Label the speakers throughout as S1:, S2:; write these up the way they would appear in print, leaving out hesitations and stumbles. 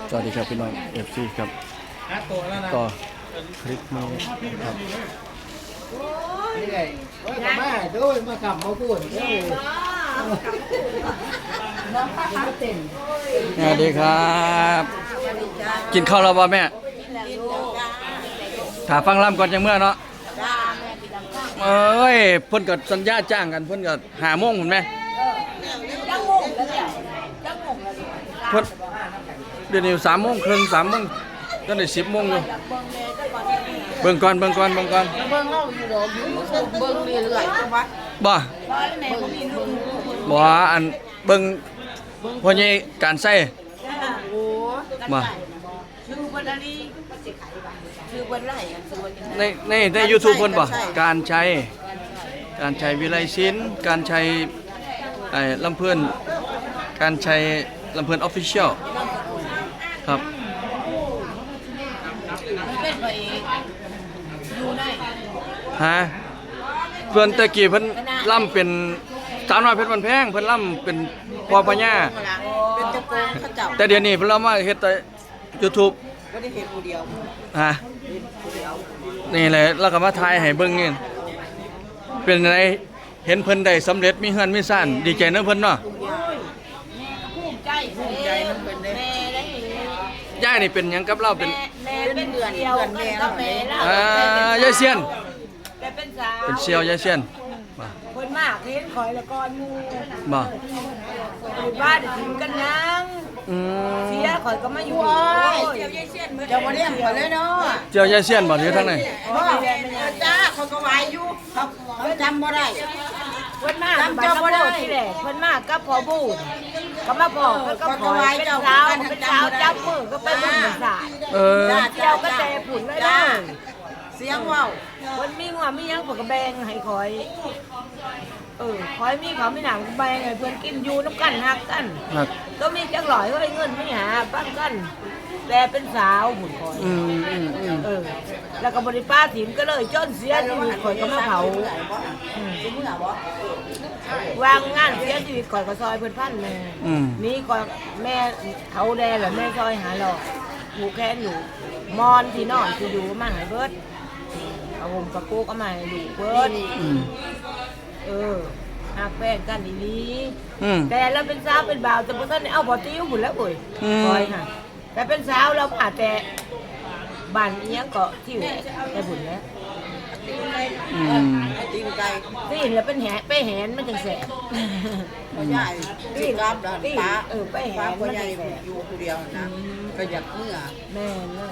S1: สวัสดีครับพี่น้อง FC ครับต่อคลิปนี้ครับ
S2: นี่ไงมาด้วยมาขับมาพูด
S1: สวัสดีครับกินข้าวแล้วป่ะแม่ถาฟังล่ำก่อนจังเมื่อเนาะเอ้ยเพิ่นก็สัญญาจ้างกันเพิ่นก็5 โมงพุ่นแม่เพิ่นเดี๋ยวนี้3 โมงครึ่ง3 โมงตอนนี้10 โมงอยู่เบิ่งก่อน
S2: เบิ่งเฮาอยู่ดอกอยู่เบิ่งเรื่อยๆจังหวะ
S1: บ่อันเบิ่งพ่อใหญ่การใส่
S2: โอ้
S1: บ่
S2: ชื่อเพิ่นอะไรชื่อเพิ่นไรชื่อเพิ่น
S1: ใน YouTube เพิ่นบ่การใช้วิไลศิลป์การใช้ลำเพิ่นการใช้ลำเพิ่น Official ครับ
S2: เป็นไปอยู่ได้
S1: ฮะเพิ่นตะกี้เพิ่นล่ำเป็นสาวน้อยเพชรบ้านแพงเพิ่นล่ำเป็นพ่อพญา
S2: เป็นตะโกนเขาเจ้า
S1: แต่เดี๋ยวนี้เพิ่นเล่ามาเฮ็ดแต่ YouTube
S2: บ่ได้เฮ็ดผู้เดียว
S1: ฮะนี่แหละแล้วก็มาถ่ายให้เบิ่งนี่เป็นไงเห็นเพิ่นได้สำเร็จมีเฮือนมีซ่านดีใจนำเพิ่นเนาะ
S2: ภูมิใจนำเพิ่นเด้แม่ได้
S1: ย่านี่เป็นหยังกับเราเป็น
S2: เป็นเดือนแม่กับแม่
S1: ยายเซียน
S2: เป็นสาว
S1: เป็นเซียวยายเซียน
S2: เพิ่นมากเห็นข่อยแล้วก่อนหมู่
S1: บ่
S2: บ้านถึงกันยังเสียข่อยก็มาอยู่เจียวยายเซียนเจ้าบ่เลี้ยงข่อยเลยเนาะ
S1: เจียวยายเซียนบ่อยู่ทางไหน
S2: จ้าเขาก็ไหวอยู่เขาจำบ่ได้เพิ่นมาจำบ่ได้ที่แหละเพิ่นมากับพ่อบูดก็มาบอกเพิ่นก็ขอเป็นสาวจับมือก็ไปบุญศาสตร์เจ้าก็แต่ผุนเลยนะเสียงว้าวเพิ่นมีว่ามีหยังเพิ่นก็แบ่งให้ข่อยข่อยมีเขาไม่หนังแบ่งให้เพิ่นกินอยู่น้ำกันฮักกันก็มีจักหลอยก็ได้เงินไม่หาปั้นกันแต่เป็นสาวผุนข่อยแล้วก็บริป้าถิ่มก็เลยจนเสียชีวิตข่อยก็มาเผาวางงานเสียชีวิตข่อยก็ซอยเพิ่นพันแม่นี่ข่อยแม่เขาแดงหรือแม่ซอยหาหลอกหูแค้นอยู่มอนที่นอนคืออยู่มาหายเบิดเอาผมกับกูก็มาอยู่เบิดหักแป้งกันดีนี้แต่เราเป็นสาวเป็นบ่าวแต่พวกท่านเอาบ่อติ้วหมดแล้วบ่อยคอยค่ะแต่เป็นสาวเราอาจแต่บ้านเนี้ยก็ที่อยู่แต่บุญแล้วตีนไก่ตีนแล้วเป็นแหนไปแหนมันจังแสบใหญ่ตีนรับแล้วป้าไปแหนมันจังแสบอยู่คนเดียวนะก็อยากเมื่อแม่เลย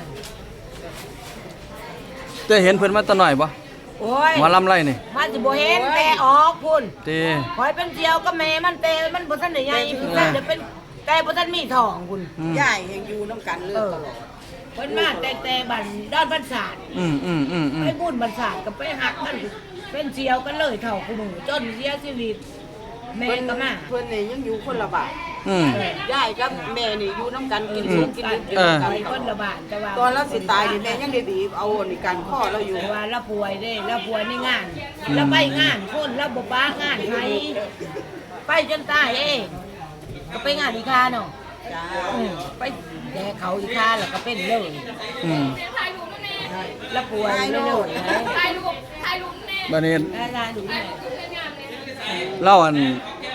S1: จะเห็นเพิ่นมาตะหน่อยบ่มาลำไรนี่
S2: มันจะบ่เห็นแต่ออกพุ่น
S1: ตี
S2: คอยเป็นเจียวก็แม่มันแต่มันบ่ทันได้ใหญ่แต่จะเป็นแต่บ่ทันมีทองพุ่นใหญ่ยังอยู่น้ำกันเลยตลอดเพิ่นมาแต่บันด้านบ้านศาสตร์ไปบุญบ้านศาสตร์ก็ไปหักกันเป็นเจียวกันเลยเท่าคู่มือจนเสียชีวิตแม่ก็มาเพิ่นนี่ยังอยู่คนละบาทยายกับแม่นี่อยู่น้ำกันกินซุปกินดิบกันคนละบาทแต่ว่าตอนเราสิตายนี่แม่ยังได้บีบเอานี่กันข้อเราอยู่ว่าเราป่วยได้เราป่วยในงานเราไปงานคนเราบ่ป้างานไทยไปจนตายเองก็ไปงานอีกาเนาะไปแย่เขาอีกาแล้วก็เป็นเลยแล้วป่วยเลย
S1: บัดนี้เล่าอัน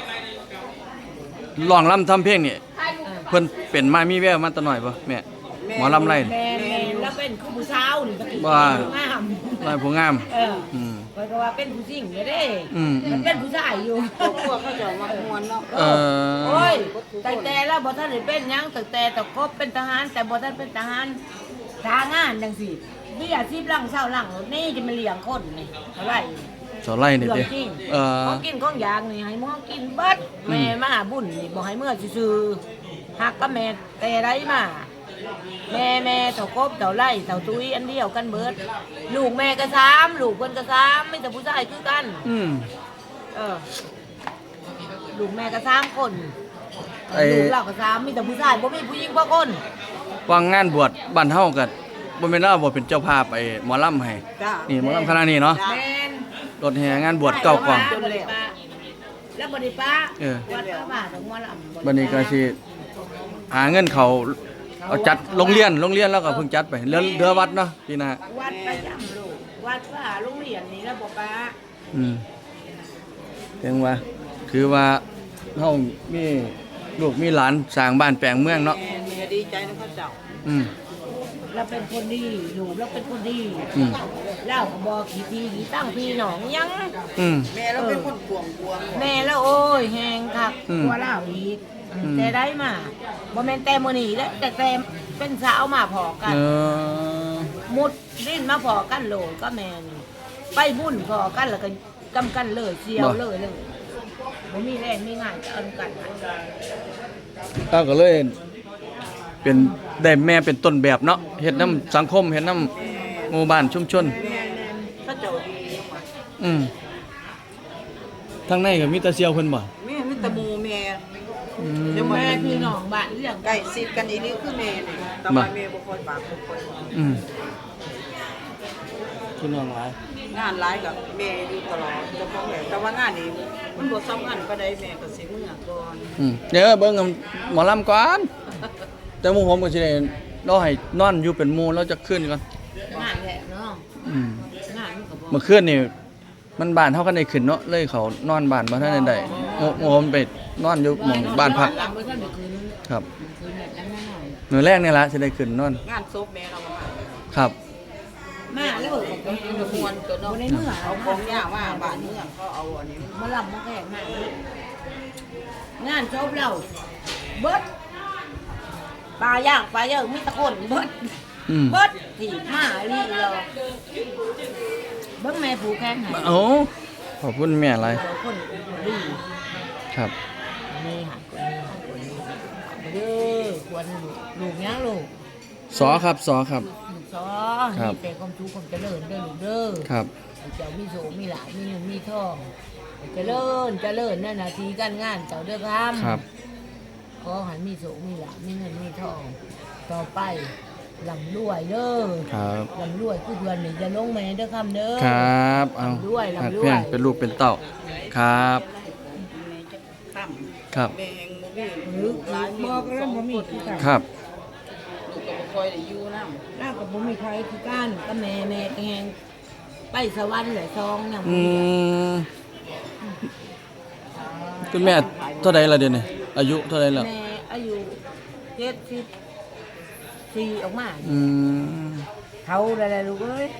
S1: ร้องรำทำเพลงนี่เพิ่นเป็นมามีแววมาตะหน่อยบ่แม่หมอลำไร
S2: แม่แล้วเป็นผู้สาวนี่
S1: ว่างามผู้งาม
S2: เพราะว่าเป็นผู้หญิงเด้มันเป็นผู้ชายอยู่พวกเขาจะมามวนเนาะโอ้ยแต่แล้วบ่ทันได้เป็นหยังแต่ครบเป็นทหารแต่บ่ทันเป็นทหารทางานจังซี่มีอาชีพหลังเช้าหลังนี่จะมาเลี้ยงคนนี่เท่าไหร่
S1: สอไล่นี่ดิ
S2: ของกินของยางนี่ให้มึงกินเบิดแม่มาบุญนี่บอกให้เมื่อซื่อหักกับแม่แต่ไรมาแม่เต่ากบเต่าไล่เต่าตุ้ยอันเดียวกันเบิดลูกแม่ก็3ลูกเพิ่นก็3ไม่แต่ผู้ชายคือกันลูกแม่ก็3คนลูกเราก็3มีแต่ผู้ชายบ่มีผู้หญิงบ่คน
S1: วางงานบวชบ้านเฮาก็บ่แม่นว่าบ่เป็นเจ้าภาพไอ้หมอลำให้นี่หมอลำคณะนี้เนาะรถแห่งานบวช9 กล่อง
S2: แล้วบ่ได้ป้าวัดพระบาทของหมอลำ
S1: บัดนี้ก็สิหาเงินเขาเอาจัดโรงเรียนแล้วก็เพิ่งจัดไปเรือวัดเนาะปีหน้า
S2: วัดประจำลูกวัดว่าโรงเรียนนี่แล้วบ่ป้า
S1: เพียงว่าคือว่าเฮามีลูกมีหลานสร้างบ้านแปลงเมืองเนาะ
S3: แม่เนี่ยดีใจนะเขาเจ้า
S1: อืม
S2: เราเป็นคนดีลูกเราเป็นคนดี
S1: อืม
S2: เล่าก็บอกขี้ทีขี้ตั้งพี่น้องยัง
S1: อืม
S3: แม่เราเป็นคนกวง
S2: แม่แล้วโอ้ยแหงคัก
S1: อืม
S2: กลัวเล่าอีก
S1: อืม
S2: แต่ได้มาบ่แม่นแต่มื้อนี้แล้วแต่เป็นสาวมาพอกัน
S1: เออ
S2: มุดดิ้นมาพอกันโหลก็แม่นี่ไปบุญพอกันแล้วก็กำกันเลยเสียวเลยบ่มีแรงมีงานจะเอากัน
S1: เราก็เลยเป็นได้แม่เป็นต้นแบบเนาะเฮ็ดน้ำสังคมเฮ็ดน้ำหมู่บ้านชุมชน
S3: แม่เขาเจ้าดีมาก
S1: อืมทางในก็มีแต่เซียวเพิ่นบ่
S3: แม่มีแต่หมู่แม่
S1: อืม
S3: เดี๋ยว
S2: แม่พี่น้องบ้านเรื่อง
S3: ใกล้ชิดกันอีนี่คือแม่นี่แต่ว่าแม่บ่ค่อยปากบ่ค่อย
S1: อืมพี่น้องหลาย
S3: งานหลายกับแม่อยู่ตลอดเจ้าของแหละแต่ว่างานนี้มันบ่สำคัญปานใดแม่ก็สิมื้อก่อน
S1: เดี๋ยวเบิ่งหมอลำก่อนแต่หมู่ผมก็สิได้รอให้นอนอยู่เป็นหมู่แล้วจะขึ้นก่อน
S2: งานแหละเนาะ
S1: อืม
S2: งานมันก็บ่
S1: เมื่อคืนนี่มันบ้านเฮากันได้ขึ้นเนาะเลยเขานอนบ้านบ่ทันได้หมู่ผมไปนอนอยู่หม่องบ้านพัก
S2: หลังบ่ทันได้คืน
S1: ครับ
S2: คืนแบบนั้นหน่อย
S1: มื้อแรกนี่ล่ะสิได้ขึ้นนอน
S3: งานศพแม่เราก็มา
S1: ครับ
S2: มาแล้วก็
S3: ก็มวนตัวเนาะ
S2: บ่ได้เมื่อ
S3: เอาของย่ามาบ้านเมืองเขาเอาอันนี้
S2: มาลำมาแข่งงานจบแล้วเบิดปลาย่างปลาเยอะมีตะโกนเบิด
S1: อืม
S2: เบิดที่มาลีเราเบิ้งแม่ผูกแข้งให้
S1: โอ้ขอบคุณแม่หลาย
S2: คนดี
S1: ครับ
S2: นี่หันคนนี้เด้อควรลูกยังลูก
S1: สอครับสอครับ
S2: ลูกซอ
S1: ครับ
S2: มีแต่ความทุกข์ความเจริญเด้อลูกเด้อ
S1: ครับ
S2: เจ้ามีโสมีหลานมีเงินมีทองเจริญเจริญนั่นนาทีการงานเจ้าเด้อครับ
S1: ครับ
S2: ขอให้มีโสมีหลานมีเงินมีทอง ต่อไปลำรวยเด้อ
S1: ครับ
S2: ลำรวยคือเดือนนี้จะลงแม่เด้อคำเด้อ
S1: ครับเอา
S2: ลำรวยลำรวย
S1: หัดเพียงเป็นลูกเป็นเต้าครับ
S3: แม่จะค่ำ
S1: ครับ
S3: แม่แห่งบ่มี
S2: หรือบอกแล้วบ่มีคือกัน
S1: ครับ
S3: ลูกก็บ่ค่อยได้อยู่นำ
S2: น่ากับบ่มีใครคือกันก็แม่แม่ก็แฮงไปสวรรค์แหละซองเนี่ย
S1: มคุณแม่เท่าใดล่ะเดี๋ยวนี้อายุเท่าใดแล้ว
S2: แม่อายุ74ออกมา
S1: อืม
S2: เขาอะไรลูกเอ้ย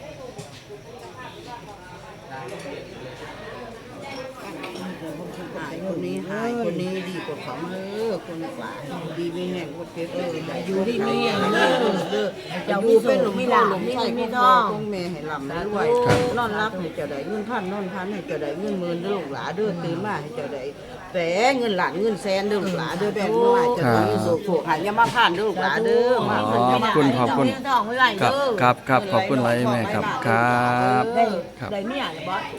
S3: หายคนนี้หายคนนี้ดีกว่าเขาคนกว่าดีไม่แห้งคนเพชรอยู่ที่นี่เจ้ามีเป็นหลุมมีหลานมีเงินมีทองคงแม่ให้ลำด้วยนอนรับให้เจ้าได้เงินพันนอนพันให้เจ้าได้เงินหมื่นเด้อลูกหลาเด้อตื่นมาให้เจ้าได้แต่เงินหลานเงินแสนเด้อลูกหลาเด้อแบ่งมือให้เจ้าได้สุขหันยามาผ่านเด้อลูกหลาเด้อมา
S1: ขอบคุณขอบคุณ
S2: เจ้ามีทองไว้ไหล
S1: ครับ
S2: เด้อ
S1: ครับครับขอบคุณหลายแม่ครับครับ
S2: ได้
S1: ครับ
S2: ได้เมียหรือบ่